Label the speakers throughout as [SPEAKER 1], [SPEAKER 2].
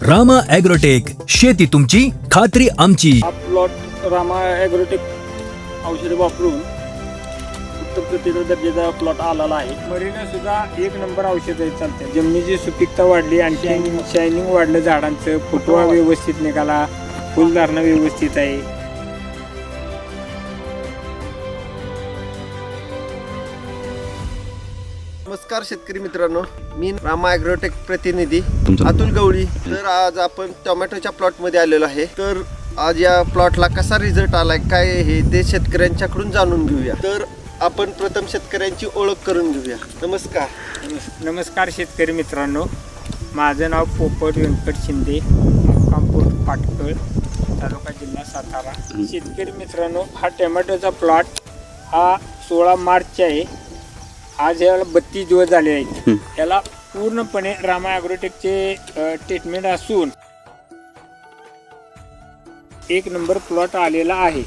[SPEAKER 1] Rama agrotech, शेती तुमची खात्री आमची.
[SPEAKER 2] हा प्लॉट रामा ॲग्रोटेक औषधे वापरून उत्तम प्रतीचा दर्जाचा प्लॉट आलेला आहे. मरीला सुद्धा एक नंबर औषध चालते. जमिनीची सुपीकता वाढली, आणखी शायनिंग वाढलं, झाडांचं फुटवा व्यवस्थित निघाला, फुलधारणा व्यवस्थित आहे.
[SPEAKER 3] नमस्कार शेतकरी मित्रांनो, मी रामा ॲग्रोटेक प्रतिनिधी अतुल गवळी. तर आज आपण टोमॅटोच्या प्लॉटमध्ये आलेलो आहे. तर आज या प्लॉटला कसा रिझल्ट आलाय, काय हे ते शेतकऱ्यांच्याकडून जाणून घेऊया. तर आपण प्रथम शेतकऱ्यांची ओळख करून घेऊया. नमस्कार.
[SPEAKER 2] नमस्कार शेतकरी मित्रांनो, माझं नाव पोपट व्यंकट शिंदे, मुक्काम पोस्ट पाटकळ, तालुका जिल्हा सातारा. शेतकरी मित्रांनो, हा टोमॅटोचा प्लॉट हा 16 मार्चचा आहे. आज याला 32 दिवस झाले आहेत. याला पूर्णपणे रामा ॲग्रोटेकचे ट्रीटमेंट असून एक नंबर प्लॉट आलेला आहे.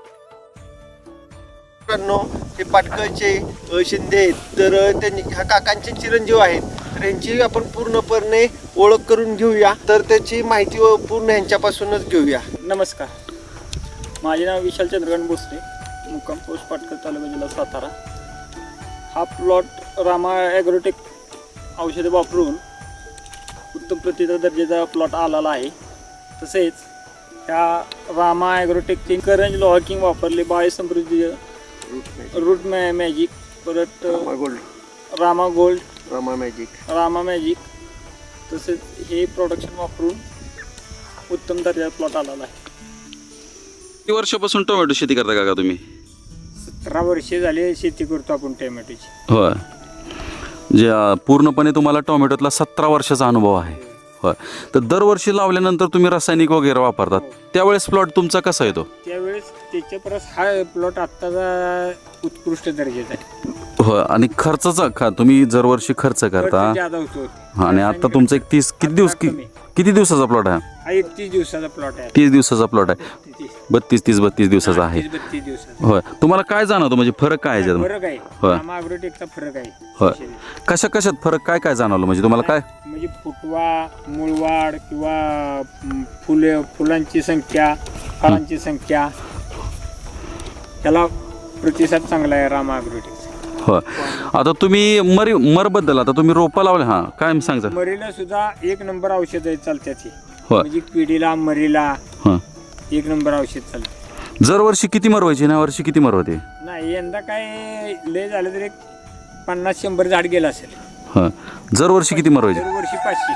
[SPEAKER 3] मित्रांनो, हे पाटकळचे शिंदे आहेत. तर त्यांनी ह्या काकांचे चिरंजीव आहेत. तर यांची आपण पूर्णपणे ओळख करून घेऊया. तर त्याची माहिती पूर्ण यांच्यापासूनच घेऊया.
[SPEAKER 2] नमस्कार, माझे नाव विशाल चंद्रकांत भोसले, मुक्काम पोस्ट पाटकर, तालुका जिल्हा सातारा. हा प्लॉट रामा ॲग्रोटेक औषधे वापरून उत्तम प्रतीचा दर्जाचा प्लॉट आलेला आहे. तसेच ह्या रामा ॲग्रोटेकचे करंज लॉकिंग वापरले, बायोसमृद्धी, रूट मॅजिक, परत रामा गोल्ड, रामा मॅजिक, तसेच हे प्रोडक्शन वापरून उत्तम दर्जाचा प्लॉट आलेला आहे.
[SPEAKER 4] किती वर्षापासून टोमॅटो शेती करता का तुम्ही?
[SPEAKER 2] 17 वर्षे झाले शेती करतो आपण टोमॅटोची.
[SPEAKER 4] होय, जे पूर्णपणे तुम्हाला टोमॅटोतला 17 वर्षाचा अनुभव आहे. होय, तर दरवर्षी लावल्यानंतर तुम्ही रासायनिक वगैरे वापरतात, त्यावेळेस प्लॉट तुमचा कसा येतो?
[SPEAKER 2] त्यावेळेस त्याच्या परस हा प्लॉट आत्ताचा उत्कृष्ट दर्जाचा आहे.
[SPEAKER 4] होय, आणि खर्चाचा तुम्ही दरवर्षी खर्च करता.
[SPEAKER 2] जादा होतो.
[SPEAKER 4] आणि आता तुमचा एक 30 किती दिवसाचा प्लॉट आहे?
[SPEAKER 2] हा 31 दिवसाचा प्लॉट आहे.
[SPEAKER 4] 30 दिवसाचा प्लॉट आहे. 32 दिवसाचा आहे.
[SPEAKER 2] 32 दिवसाचा.
[SPEAKER 4] होय, तुम्हाला काय जाणवतं, म्हणजे फरक काय आहे?
[SPEAKER 2] फरक आहे.
[SPEAKER 4] होय.
[SPEAKER 2] रामा ॲग्रोटेकचा फरक आहे.
[SPEAKER 4] होय, कशात फरक काय जाणवलं, म्हणजे तुम्हाला काय?
[SPEAKER 2] म्हणजे फुटवा, मुळवाढ किंवा फुलांची संख्या, फळांची संख्या, त्याला प्रतिसाद चांगला आहे रामा ॲग्रोटेकचा.
[SPEAKER 4] होय, आता तुम्ही मरबद्दल आता तुम्ही रोपं लावले, हां काय सांगता?
[SPEAKER 2] मरीला सुद्धा एक नंबर औषध चालत्याची.
[SPEAKER 4] होय.
[SPEAKER 2] म्हणजे किडीला, मरीला
[SPEAKER 4] हां,
[SPEAKER 2] एक नंबर औषध चालतं.
[SPEAKER 4] दरवर्षी किती मर व्हायची ना? वर्षी किती मर होते?
[SPEAKER 2] नाही, यंदा काय लय झालं तर एक 50-100 झाड गेलं असेल.
[SPEAKER 4] हां, दरवर्षी किती मर व्हायची?
[SPEAKER 2] दरवर्षी 500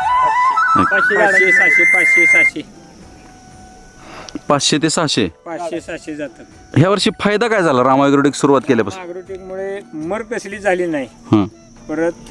[SPEAKER 2] 500
[SPEAKER 4] 500 ते 600
[SPEAKER 2] 500-600 जातात.
[SPEAKER 4] ह्या वर्षी फायदा काय झाला रामा ॲग्रोटेक सुरुवात केल्यापासून?
[SPEAKER 2] ॲग्रोटेकमुळे मर कसली झाली नाही.
[SPEAKER 4] हां,
[SPEAKER 2] परत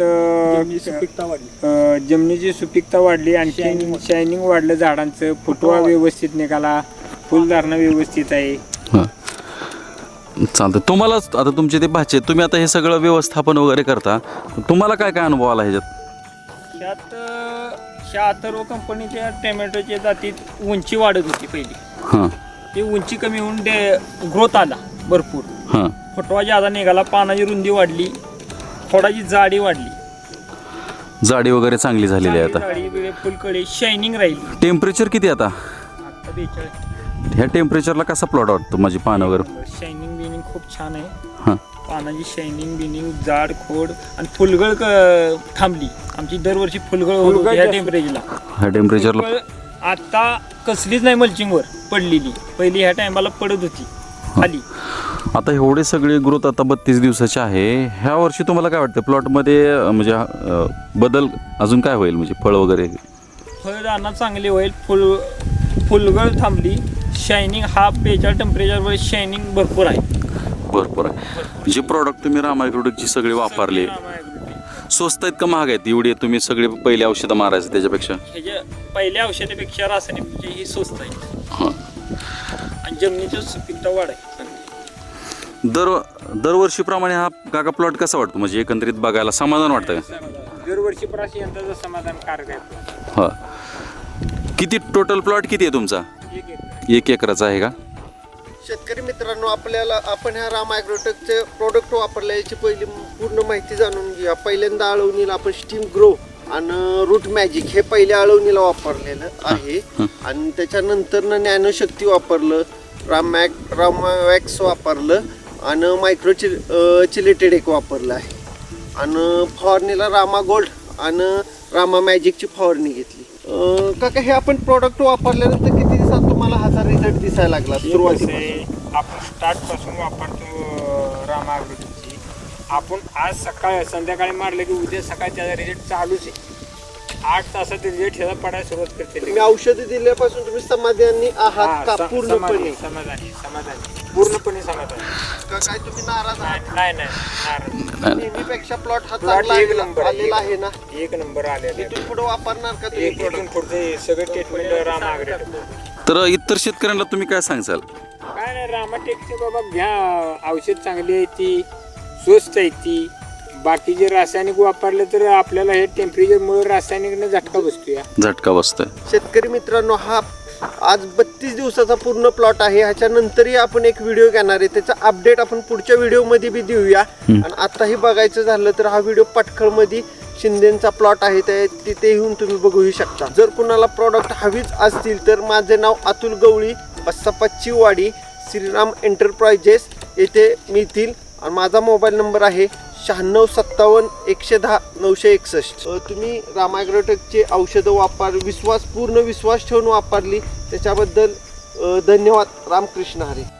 [SPEAKER 2] जमिनीची सुपीकता वाढली, आणखी शायनिंग वाढलं, झाडांचं फुटवा व्यवस्थित निघाला, फुलधारणा व्यवस्थित आहे.
[SPEAKER 4] हां, चालतं. तुम्हाला आता तुमचे ते भाचे, तुम्ही आता हे सगळं व्यवस्थापन वगैरे करता, तुम्हाला काय काय अनुभव आला ह्याच्यात?
[SPEAKER 2] त्यात ह्या अथर्व कंपनीच्या टोमॅटोच्या जातीत उंची वाढत होती पहिली.
[SPEAKER 4] हां,
[SPEAKER 2] ती उंची कमी होऊन ग्रोथ आला भरपूर.
[SPEAKER 4] हां,
[SPEAKER 2] फुटवा ज्यादा निघाला, पानाची रुंदी वाढली, खोडाची जाडी वाढली,
[SPEAKER 4] जाडी वगैरे चांगली झालेली आहे आता.
[SPEAKER 2] जाडी, फुलकळी, शायनिंग राहिली.
[SPEAKER 4] टेम्परेचर किती आता?
[SPEAKER 2] आता 42.
[SPEAKER 4] ह्या टेम्परेचरला कसा प्लॉट वाटतो, माझी पानं वगैरे?
[SPEAKER 2] शायनिंग बिनिंग खूप छान आहे.
[SPEAKER 4] हां,
[SPEAKER 2] पानाची शायनिंग बिनिंग, जाड खोड, आणि फुलगळ थांबली. आमची दरवर्षी फुलगळ होत होती ह्या टेम्परेचरला.
[SPEAKER 4] ह्या टेम्परेचरला
[SPEAKER 2] आता कसलीच नाही मल्चिंगवर पडलेली. पहिली ह्या टायमाला पडत होती खाली.
[SPEAKER 4] आता एवढे सगळे ग्रोथ आता 32 दिवसाचे आहे. ह्या वर्षी तुम्हाला काय वाटतं प्लॉटमध्ये, म्हणजे बदल अजून काय होईल, म्हणजे फळ वगैरे?
[SPEAKER 2] फळदारणा चांगली होईल. फुलगळ थांबली. शायनिंग हा 42 टेम्परेचरवर शायनिंग भरपूर आहे.
[SPEAKER 4] भरपूर आहे. जे प्रॉडक्ट तुम्ही रामा ॲग्रोटेकची सगळे वापरले, स्वस्त आहेत का महाग आहेत? एवढे तुम्ही सगळे पहिले औषधं मारायचं त्याच्यापेक्षा?
[SPEAKER 2] ह्याच्या पहिल्या औषधापेक्षा रासायनिक ही स्वस्त आहे.
[SPEAKER 4] हां,
[SPEAKER 2] आणि जमिनीची सुपीकता वाढ आहे.
[SPEAKER 4] दरवर्षीप्रमाणे हा काका प्लॉट कसा वाटतो, म्हणजे एकंदरीत बघायला समाधान वाटतं का?
[SPEAKER 2] दरवर्षी प्राशी यंदाचं समाधानकारक आहे.
[SPEAKER 4] हां, किती टोटल प्लॉट किती आहे तुमचा? 1 एकराचा आहे का?
[SPEAKER 3] शेतकरी मित्रांनो, आपण ह्या रामा ॲग्रोटेकचे प्रोडक्ट वापरले याची पहिली पूर्ण माहिती जाणून घेऊया. पहिल्यांदा आळवणीला आपण स्टीम ग्रो आणि रूट मॅजिक हे पहिले आळवणीला वापरलेलं आहे आणि त्याच्यानंतर नॅनोशक्ती वापरलं, रामावॅक्स वापरलं आणि मायक्रो चिलेटेड एक वापरलं आहे आणि फवारणीला रामा गोल्ड आणि रामा मॅजिकची फवारणी घेतली. काका हे आपण प्रोडक्ट वापरल्यानंतर किती दिवसात तुम्हाला ह्याचा रिझल्ट दिसायला लागला? सुरुवातीला
[SPEAKER 2] आपण स्टार्ट पासून वापरतो रामा ॲग्रोटेकची. आपण आज सकाळी संध्याकाळी मारलं की उद्या सकाळी त्याचा रिझल्ट चालूच आहे. 8 तासात रिझल्ट ह्याला पडायला सुरुवात करते.
[SPEAKER 3] तुम्ही औषधी दिल्यापासून तुम्ही समाधानी आहात का? पूर्णपणे
[SPEAKER 2] समाधानी पूर्णपणे समाधानी.
[SPEAKER 3] का काय तुम्ही नाराज आहात?
[SPEAKER 2] नाही नाराज.
[SPEAKER 3] नेहमीपेक्षा प्लॉट हा
[SPEAKER 2] Plot
[SPEAKER 3] चांगला
[SPEAKER 2] एक नंबर आहे.
[SPEAKER 3] आलेला आहे ना?
[SPEAKER 2] एक नंबर आलेला
[SPEAKER 3] इथून पुढे वापरणार का तुम्ही
[SPEAKER 2] एक
[SPEAKER 3] product?
[SPEAKER 2] पुढचे सगळे ट्रीटमेंट रामा ॲग्रोटेक.
[SPEAKER 4] तर इतर शेतकऱ्यांना तुम्ही काय सांगाल?
[SPEAKER 2] काय नाही रामाटेकचे बाबा घ्या, औषध चांगली आहे ती, स्वस्त आहे ती. बाकीचे रासायनिक वापरले तर आपल्याला हे टेम्परेचरमुळे रासायनिकने झटका बसतो या.
[SPEAKER 4] झटका बसतोय.
[SPEAKER 3] शेतकरी मित्रांनो, हा आज 32 दिवसाचा पूर्ण प्लॉट आहे. ह्याच्यानंतरही आपण एक व्हिडिओ घेणार आहे, त्याचा अपडेट आपण पुढच्या व्हिडिओमध्ये बी देऊया. आणि आताही बघायचं झालं तर हा व्हिडिओ पटखळमध्ये शिंदेचा प्लॉट आहे, तिथे येऊन तुम्ही बघू शकता. जर कुणाला प्रॉडक्ट हवीच असतील तर माझे नाव अतुल गवळी, बस्सापाची वाडी, श्रीराम एंटरप्राइजेस येथे मिळतील. आणि माझा मोबाईल नंबर आहे 9657 110 961. तुम्ही रामा ॲग्रोटेकचे औषधं पूर्ण विश्वास ठेवून वापरली त्याच्याबद्दल धन्यवाद. रामकृष्ण हरी.